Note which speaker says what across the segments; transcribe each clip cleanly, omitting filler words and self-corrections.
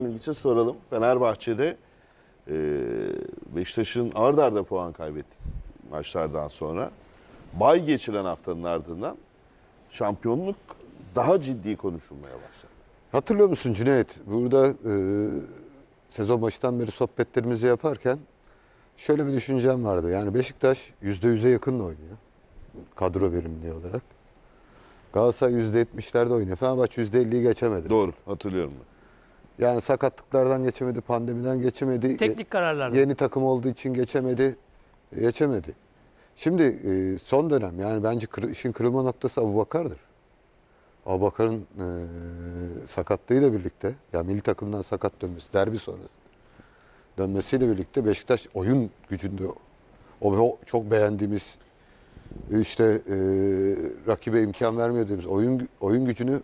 Speaker 1: İlginç'e soralım. Fenerbahçe'de Beşiktaş'ın ard arda puan kaybettik maçlardan sonra. Bay geçilen haftanın ardından şampiyonluk daha ciddi konuşulmaya başladı.
Speaker 2: Hatırlıyor musun Cüneyt? Burada sezon başından beri sohbetlerimizi yaparken şöyle bir düşüncem vardı. Yani Beşiktaş %100'e yakın oynuyor. Kadro verimliliği olarak. Galatasaray %70'lerde oynuyor. Fenerbahçe %50'yi geçemedi.
Speaker 1: Doğru, hatırlıyorum ben.
Speaker 2: Yani sakatlıklardan geçemedi, pandemiden geçemedi.
Speaker 3: Teknik kararlarla.
Speaker 2: Yeni takım olduğu için geçemedi. Şimdi son dönem yani bence işin kırılma noktası Abubakar'dır. Abubakar'ın sakatlığıyla birlikte, yani milli takımdan sakat dönmesi, derbi sonrası dönmesiyle birlikte Beşiktaş oyun gücünde o çok beğendiğimiz işte rakibe imkan vermiyor dediğimiz oyun gücünü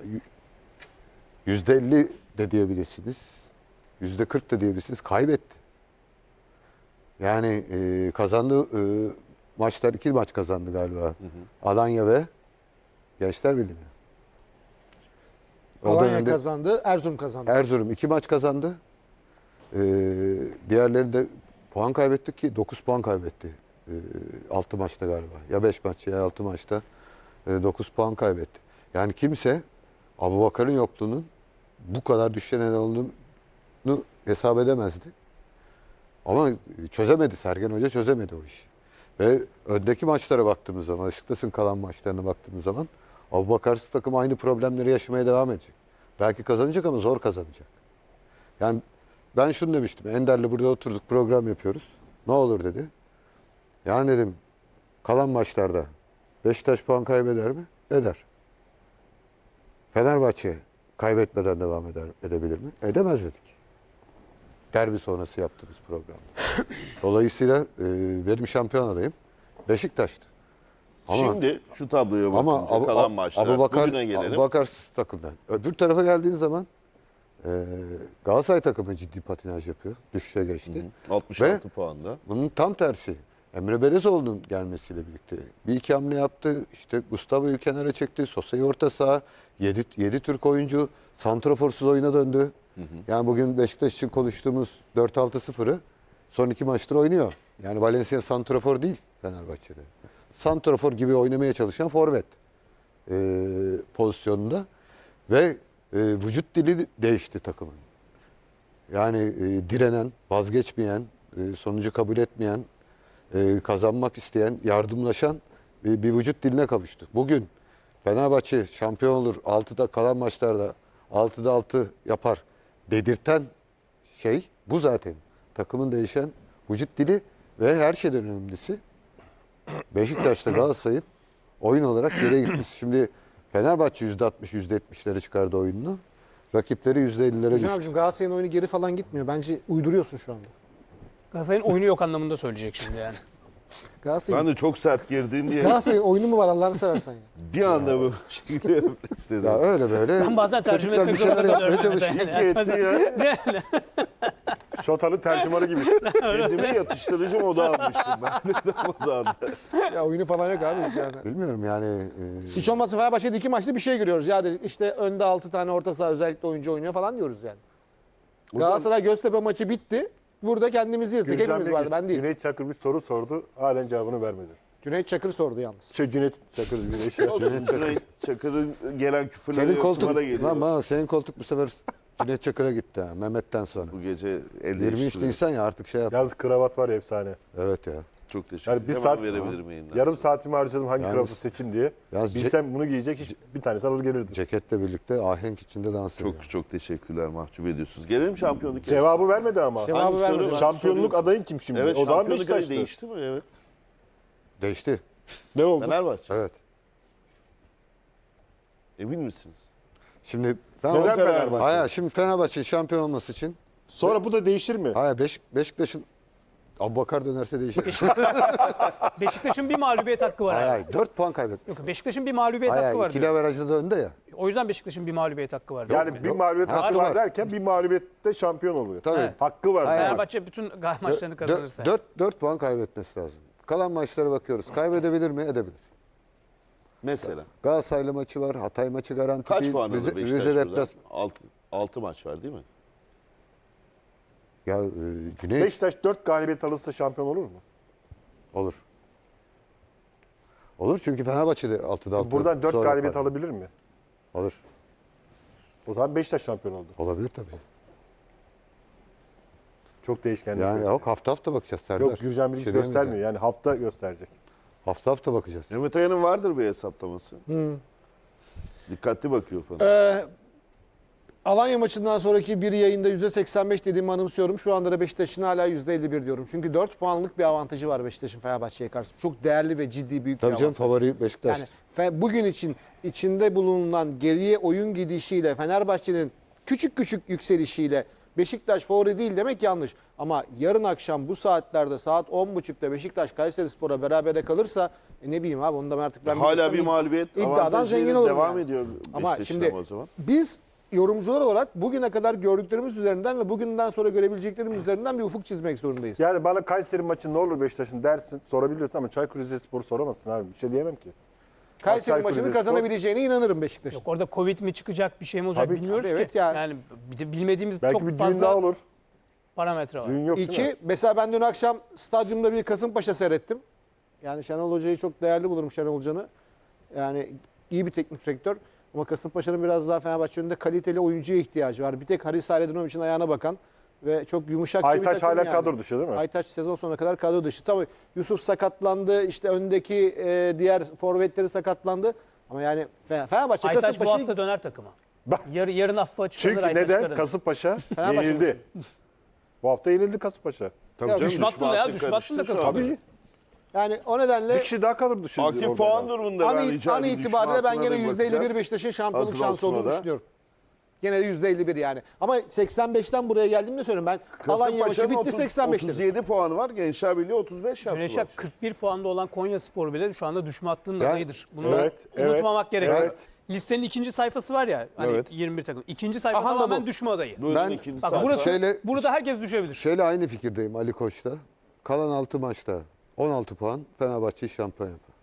Speaker 2: %50 de diyebilirsiniz. %40 da diyebilirsiniz. Kaybetti. Yani kazandığı maçlar 2 maç kazandı galiba. Hı hı. Alanya ve Gençler Birliği.
Speaker 4: Alanya kazandı, Erzurum kazandı.
Speaker 2: Erzurum 2 maç kazandı. Diğerleri de puan kaybetti ki 9 puan kaybetti. 6 maçta galiba. Ya 5 maç ya 6 maçta 9 puan kaybetti. Yani kimse Abubakar'ın yokluğunun bu kadar düşen olduğunu hesap edemezdi. Ama çözemedi. Sergen Hoca çözemedi o işi. Ve öndeki maçlara baktığımız zaman, Beşiktaş'ın kalan maçlarına baktığımız zaman Abubakarsız takım aynı problemleri yaşamaya devam edecek. Belki kazanacak ama zor kazanacak. Yani ben şunu demiştim. Ender'le burada oturduk, program yapıyoruz. Ne olur dedi. Yani dedim, kalan maçlarda Beşiktaş puan kaybeder mi? Eder. Fenerbahçe kaybetmeden devam edebilir mi? Edemez dedik. Derbi sonrası yaptığımız programda. Dolayısıyla benim şampiyon adayım Beşiktaş'tı. Ama,
Speaker 1: Şimdi şu tabloya bakınca kalan maçlar, bugüne gelelim.
Speaker 2: Abubakar takımdan. Öbür tarafa geldiğin zaman Galatasaray takımı ciddi patinaj yapıyor. Düşüşe geçti.
Speaker 1: 66 puanda.
Speaker 2: Bunun tam tersi. Emre Belezoğlu'nun gelmesiyle birlikte bir iki hamle yaptı. İşte Gustavo'yu kenara çekti. Sosa'yı orta saha. 7 Türk oyuncu santraforsuz oyuna döndü. Yani bugün Beşiktaş için konuştuğumuz 4-6-0'ı son 2 maçtır oynuyor. Yani Valencia santrafor değil Fenerbahçe'de. Santrafor gibi oynamaya çalışan forvet pozisyonunda ve vücut dili değişti takımın. Yani direnen, vazgeçmeyen, sonucu kabul etmeyen, kazanmak isteyen, yardımlaşan bir vücut diline kavuştu. Bugün Fenerbahçe şampiyon olur, 6'da kalan maçlarda 6'da 6 yapar dedirten şey bu zaten. Takımın değişen vücut dili ve her şeyden önemlisi Beşiktaş'ta Galatasaray'ın oyun olarak yere gitmesi. Şimdi Fenerbahçe %60, %70'lere çıkardı oyununu. Rakipleri %50'lere düştü.
Speaker 4: Abicim Galatasaray'ın oyunu geri falan gitmiyor. Bence uyduruyorsun şu anda.
Speaker 3: Galatasaray'ın oyunu yok anlamında söyleyecek şimdi yani.
Speaker 1: Ben de çok sert girdin diye
Speaker 4: Galatasaray'ın oyunu mu var Allah'ını seversen ya.
Speaker 1: bir anda bu şekilde istedim.
Speaker 2: Ya öyle böyle.
Speaker 3: Ben bazen tercüme
Speaker 2: çocuklar
Speaker 3: etmek
Speaker 2: bir şeyler
Speaker 3: zorunda
Speaker 2: yapmaya
Speaker 3: kalıyorum.
Speaker 2: çalışıyor.
Speaker 1: İyi ki etti ya.
Speaker 5: Şotalı tercümanı gibi.
Speaker 1: Kendime yatıştırıcı moda almıştım ben de moda aldım.
Speaker 4: Ya oyunu falan yok abi yani.
Speaker 2: Bilmiyorum yani.
Speaker 4: Hiç olmazsa Fenerbahçe'de 2 maçta bir şey görüyoruz. Ya dedik işte önde 6 tane orta saha özellikle oyuncu oynuyor falan diyoruz yani. Galatasaray Göztepe maçı bitti. Burada kendimizi yırttık. Hepimiz vardı, ben değil.
Speaker 5: Cüneyt Çakır bir soru sordu. Halen cevabını vermedi.
Speaker 4: Cüneyt Çakır sordu yalnız.
Speaker 5: Cüneyt Çakır.
Speaker 1: Olsun, Cüneyt Çakır'ın gelen küfürleri
Speaker 2: Senin koltuk,
Speaker 1: Osman'a geliyor.
Speaker 2: lan senin koltuk bu sefer Cüneyt Çakır'a gitti ha, Mehmet'ten sonra.
Speaker 1: Bu gece el
Speaker 2: 23
Speaker 1: değiştiriyor.
Speaker 2: Nisan ya artık şey yap.
Speaker 5: Yalnız kravat var ya efsane.
Speaker 2: Evet ya.
Speaker 1: Çok teşekkür
Speaker 5: Yani
Speaker 1: ederim.
Speaker 5: bir
Speaker 1: Hemen
Speaker 5: saat
Speaker 1: verebilirim yayından
Speaker 5: yarım
Speaker 1: sonra.
Speaker 5: saatimi harcadım hangi
Speaker 2: Yalnız-
Speaker 5: kravatı seçeyim diye.
Speaker 2: Yalnız
Speaker 5: Bilsem bunu giyecek hiç bir tanesi alır gelirdim.
Speaker 2: Ceketle birlikte ahenk içinde dans ediyor.
Speaker 1: Çok teşekkürler, mahcup ediyorsunuz. Gelelim şampiyonluk.
Speaker 5: Cevabı vermedi ama.
Speaker 4: Cevabı
Speaker 1: Hangi
Speaker 4: vermedi.
Speaker 1: soru?
Speaker 5: Şampiyonluk adayın kim şimdi?
Speaker 1: Evet,
Speaker 5: O zaman
Speaker 1: şampiyonluk adayı
Speaker 5: Beşiktaş'tı.
Speaker 1: değişti mi? Evet.
Speaker 2: Değişti.
Speaker 5: Ne oldu?
Speaker 1: Fenerbahçe.
Speaker 2: Evet.
Speaker 1: Emin misiniz?
Speaker 2: Şimdi
Speaker 5: Neden
Speaker 2: Fenerbahçe,
Speaker 5: Fenerbahçe?
Speaker 2: hayır, şimdi Fenerbahçe şampiyon olması için
Speaker 5: Sonra bu da değişir mi?
Speaker 2: hayır Beşiktaş'ın Abubakar dönerse değişir.
Speaker 3: Beşiktaş'ın bir mağlubiyet hakkı var.
Speaker 2: hayır,
Speaker 3: abi.
Speaker 2: hayır 4 puan kaybetmiş.
Speaker 3: Yok, Beşiktaş'ın bir mağlubiyet
Speaker 2: Hayır,
Speaker 3: hakkı var.
Speaker 2: ikili
Speaker 3: diyor.
Speaker 2: averajda da önde ya.
Speaker 3: O yüzden Beşiktaş'ın bir mağlubiyet hakkı var.
Speaker 5: Yani bir mağlubiyet
Speaker 2: Hakkı
Speaker 5: hakkı var
Speaker 2: var.
Speaker 5: derken bir mağlubiyette şampiyon oluyor.
Speaker 2: Tabii.
Speaker 3: Evet.
Speaker 5: Hakkı var.
Speaker 2: Hayır.
Speaker 3: Fenerbahçe bütün maçlarını kazanırsa.
Speaker 2: 4 puan kaybetmesi lazım. Kalan maçlara bakıyoruz. Kaybedebilir mi? Edebilir.
Speaker 1: Mesela.
Speaker 2: Galatasaraylı maçı var. Hatay maçı garanti
Speaker 1: Kaç
Speaker 2: değil.
Speaker 1: puan alır Beşiktaş
Speaker 2: Rize
Speaker 1: burada?
Speaker 2: deplas
Speaker 1: 6 maç var değil mi?
Speaker 2: Ya Cüneyt
Speaker 5: Beşiktaş 4 galibiyet alırsa şampiyon olur mu?
Speaker 2: olur. Olur çünkü Fenerbahçe'de 6'da 6.
Speaker 5: Buradan 4
Speaker 2: sonra
Speaker 5: galibiyet
Speaker 2: yapar.
Speaker 5: alabilir mi?
Speaker 2: Olur.
Speaker 5: O zaman Beşiktaş şampiyon oldu.
Speaker 2: Olabilir tabii.
Speaker 5: Çok değişkenlik.
Speaker 2: Yani
Speaker 5: gösteriyor.
Speaker 2: yok hafta hafta bakacağız Serdar.
Speaker 5: Yok Gürcan
Speaker 2: Bir
Speaker 5: Bilgiç
Speaker 2: şey diyemeyeceğim.
Speaker 5: göstermiyor. Yani hafta gösterecek.
Speaker 2: Hafta hafta bakacağız.
Speaker 1: Mehmet Aya'nın vardır bir hesaplaması. Dikkatli bakıyor falan.
Speaker 4: Alanya maçından sonraki bir yayında %85 dediğimi anımsıyorum. Şu anda da Beşiktaş'ın hala %51 diyorum. Çünkü 4 puanlık bir avantajı var Beşiktaş'ın Fenerbahçe'ye karşı. Çok değerli ve ciddi büyük bir
Speaker 2: Tabii canım
Speaker 4: avantaj.
Speaker 2: favori Beşiktaş.
Speaker 4: Yani bugün için içinde bulunan geriye oyun gidişiyle Fenerbahçe'nin küçük küçük yükselişiyle Beşiktaş favori değil demek yanlış. Ama yarın akşam bu saatlerde saat 10.30'da Beşiktaş Kayserispor'a berabere kalırsa ne bileyim abi onu da artık ben
Speaker 1: Hala
Speaker 4: biliyorsam
Speaker 1: bir mağlubiyet
Speaker 4: iddiadan
Speaker 1: avantajıyla
Speaker 4: zengin olurum
Speaker 1: devam
Speaker 4: yani.
Speaker 1: ediyor
Speaker 4: Ama
Speaker 1: Beşiktaş'ın
Speaker 4: şimdi
Speaker 1: o zaman.
Speaker 4: biz yorumcular olarak bugüne kadar gördüklerimiz üzerinden ve bugünden sonra görebileceklerimiz üzerinden bir ufuk çizmek zorundayız.
Speaker 5: Yani bana Kayseri maçı ne olur Beşiktaş'ın dersin sorabilirsin ama Çaykur Rizespor'u soramazsın abi. Bir şey diyemem ki.
Speaker 4: Kayseri
Speaker 5: Çaykur
Speaker 4: maçını
Speaker 5: Rizespor-
Speaker 4: kazanabileceğine inanırım Beşiktaş'ın.
Speaker 3: Yok orada Covid mi çıkacak, bir şey mi olacak
Speaker 5: Tabii,
Speaker 3: bilmiyoruz
Speaker 4: tabii,
Speaker 3: ki.
Speaker 4: evet yani.
Speaker 3: Yani bir de bilmediğimiz
Speaker 5: Belki
Speaker 3: çok
Speaker 5: bir düğün
Speaker 3: fazla
Speaker 5: daha olur.
Speaker 3: parametre var.
Speaker 5: Düğün yok değil mi?
Speaker 4: İki, mesela ben dün akşam stadyumda bir Kasımpaşa seyrettim. Yani Şenol Hoca'yı çok değerli bulurum Şenol Hoca'nı. Yani iyi bir teknik direktör. Ama Kasımpaşa'nın biraz daha Fenerbahçe önünde kaliteli oyuncuya ihtiyacı var. Bir tek Haris Hayreddinoviç'in ayağına bakan ve çok yumuşak bir
Speaker 5: Aytaç
Speaker 4: takım
Speaker 5: hala
Speaker 4: yani.
Speaker 5: kadro dışı değil mi?
Speaker 4: Aytaç sezon sonuna kadar kadro dışı. Tabii Yusuf sakatlandı. İşte öndeki diğer forvetleri sakatlandı. Ama yani Fenerbahçe
Speaker 3: Aytaç bu
Speaker 4: Kasımpaşa'yı
Speaker 3: hafta döner takıma.
Speaker 5: Bak.
Speaker 3: Yarın affı açıklanır
Speaker 5: Çünkü
Speaker 3: Aytaç
Speaker 5: neden?
Speaker 3: kararı.
Speaker 5: Kasımpaşa
Speaker 4: Fenerbahçe
Speaker 5: yenildi. Bu hafta yenildi Kasımpaşa.
Speaker 1: Tabii
Speaker 4: Ya
Speaker 1: canım,
Speaker 3: düşme hattında ya,
Speaker 1: hattı
Speaker 3: düşme hattında
Speaker 1: karıştı şu
Speaker 3: Kasımpaşa.
Speaker 1: anda.
Speaker 5: Tabii.
Speaker 4: yani o nedenle
Speaker 5: Bir kişi daha kadro dışı.
Speaker 1: Aktif
Speaker 5: orada
Speaker 1: puan
Speaker 5: yani.
Speaker 1: durumunda ben rica
Speaker 4: An
Speaker 1: edeyim.
Speaker 4: itibariyle ben
Speaker 1: Düşme
Speaker 4: gene
Speaker 1: hattına da
Speaker 4: %51
Speaker 1: bakacağız.
Speaker 4: Beşiktaş'ın şampiyonluk
Speaker 1: Hazır
Speaker 4: şansı
Speaker 1: olsun o
Speaker 4: olduğunu
Speaker 1: da.
Speaker 4: düşünüyorum. Gene de %51 yani. Ama 85'ten buraya geldiğimde söylüyorum. Ben Alanya maçı
Speaker 1: Kasımpaşa'nın
Speaker 4: bitti 85 dedim.
Speaker 1: 37 puanı var. Gençler Birliği 35 yaptılar.
Speaker 3: Güneş'e 41 puanda olan Konyaspor bile şu anda düşme hattının
Speaker 2: Ya,
Speaker 3: adayıdır. Bunu
Speaker 5: evet,
Speaker 3: unutmamak gerekiyor.
Speaker 5: evet.
Speaker 3: Listenin ikinci sayfası var ya, hani
Speaker 1: Evet.
Speaker 3: 21 takım. İkinci sayfa
Speaker 4: Aha da
Speaker 3: tamamen
Speaker 4: bu.
Speaker 3: düşme adayı.
Speaker 1: Buyurun
Speaker 2: Ben-
Speaker 1: ikinci
Speaker 3: Bak
Speaker 1: sayfa.
Speaker 3: burası,
Speaker 2: Şöyle-
Speaker 3: burada herkes düşebilir.
Speaker 2: Şeyle aynı fikirdeyim Ali Koç'ta. Kalan 6 maçta 16 puan Fenerbahçe'yi şampiyon yapar.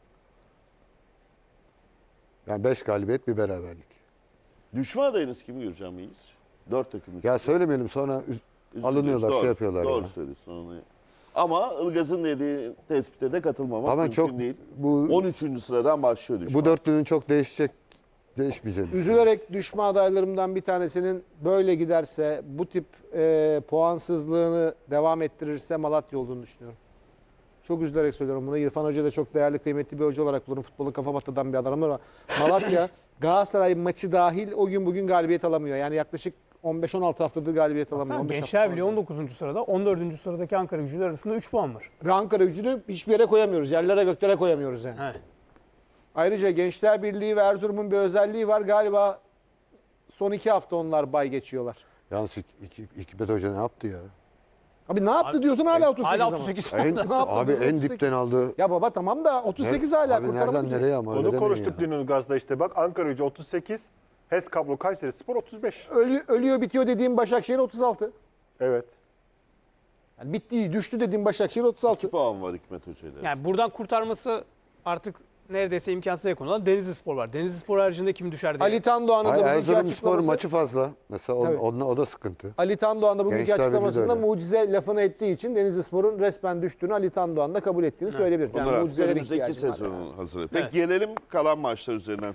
Speaker 2: Yani 5 galibiyet bir beraberlik.
Speaker 1: Düşme adayınız kim Gürcan Bey'iz? 4 takım üstü.
Speaker 2: Ya söylemeyelim sonra
Speaker 1: Üzülüyoruz.
Speaker 2: alınıyorlar,
Speaker 1: Doğru,
Speaker 2: şey yapıyorlar
Speaker 1: Doğru
Speaker 2: ya.
Speaker 1: söylüyorsun onu. Ama Ilgaz'ın dediği tespite de katılmamak
Speaker 2: Ama
Speaker 1: mümkün
Speaker 2: çok
Speaker 1: değil.
Speaker 2: bu
Speaker 1: 13. sıradan başlıyor düşme.
Speaker 2: bu dörtlünün çok değişmeyeceğini.
Speaker 4: Üzülerek düşme adaylarımdan bir tanesinin böyle giderse, bu tip puansızlığını devam ettirirse Malatya olduğunu düşünüyorum. Çok üzülerek söylüyorum bunu. İrfan Hoca da çok değerli, kıymetli bir hoca olarak bulurum. Futbolu kafa batıdan bir adam ama Malatya Galatasaray maçı dahil o gün bugün galibiyet alamıyor. Yani yaklaşık 15-16 haftadır galibiyet alamıyor.
Speaker 3: Tamam,
Speaker 4: 15
Speaker 3: Gençler
Speaker 4: hafta
Speaker 3: Birliği 19. sırada, 14. sıradaki Ankara Gücü'yle arasında 3 puan var.
Speaker 4: Ve Ankara Gücü'nü hiçbir yere koyamıyoruz. Yerlere göklere koyamıyoruz yani.
Speaker 3: Evet.
Speaker 4: Ayrıca Gençler Birliği ve Erzurum'un bir özelliği var. Galiba son 2 hafta onlar bay geçiyorlar.
Speaker 2: Yalnız Hikmet Hoca ne yaptı ya?
Speaker 4: Abi ne yaptı diyorsun hala 38
Speaker 3: Hala
Speaker 4: ama.
Speaker 3: 38
Speaker 2: En,
Speaker 4: Ne yaptı?
Speaker 2: abi en
Speaker 4: 38.
Speaker 2: dipten aldı.
Speaker 4: Ya baba tamam da 38 hala
Speaker 2: Abi nereden
Speaker 4: kurtaramayacak.
Speaker 2: nereye ama öyle
Speaker 5: Onu
Speaker 2: demeyin
Speaker 5: konuştuk
Speaker 2: ya.
Speaker 5: dün Ilgaz'da işte bak Ankara Gücü 38, HES Kablo Kayseri Spor 35.
Speaker 4: Ölüyor bitiyor dediğim Başakşehir 36.
Speaker 5: Evet.
Speaker 4: Yani bitti düştü dediğim Başakşehir 36.
Speaker 1: 2 puan var Hikmet Hoca'yla.
Speaker 3: Yani buradan kurtarması artık neredeyse imkansıza yakın olan Denizlispor var. Denizlispor haricinde kim düşer diye.
Speaker 4: Ali Tandoğan'ın da
Speaker 2: Hayır,
Speaker 4: bugünkü
Speaker 2: Erzurumspor
Speaker 4: açıklaması.
Speaker 2: maçı fazla. Mesela
Speaker 4: Evet.
Speaker 2: o da sıkıntı.
Speaker 4: Ali Tandoğan da bugünkü
Speaker 2: Gençler Birliği de
Speaker 4: açıklamasında
Speaker 2: öyle.
Speaker 4: mucize lafını ettiği için Denizlispor'un resmen düştüğünü Ali Tandoğan da kabul ettiğini söyleyebiliriz.
Speaker 1: Bunlar
Speaker 4: Yani
Speaker 1: artık
Speaker 4: mucizelere
Speaker 1: önümüzdeki
Speaker 4: ihtiyacı var.
Speaker 1: sezonun hazırlığı. Peki
Speaker 3: Evet.
Speaker 1: gelelim kalan maçlar üzerinden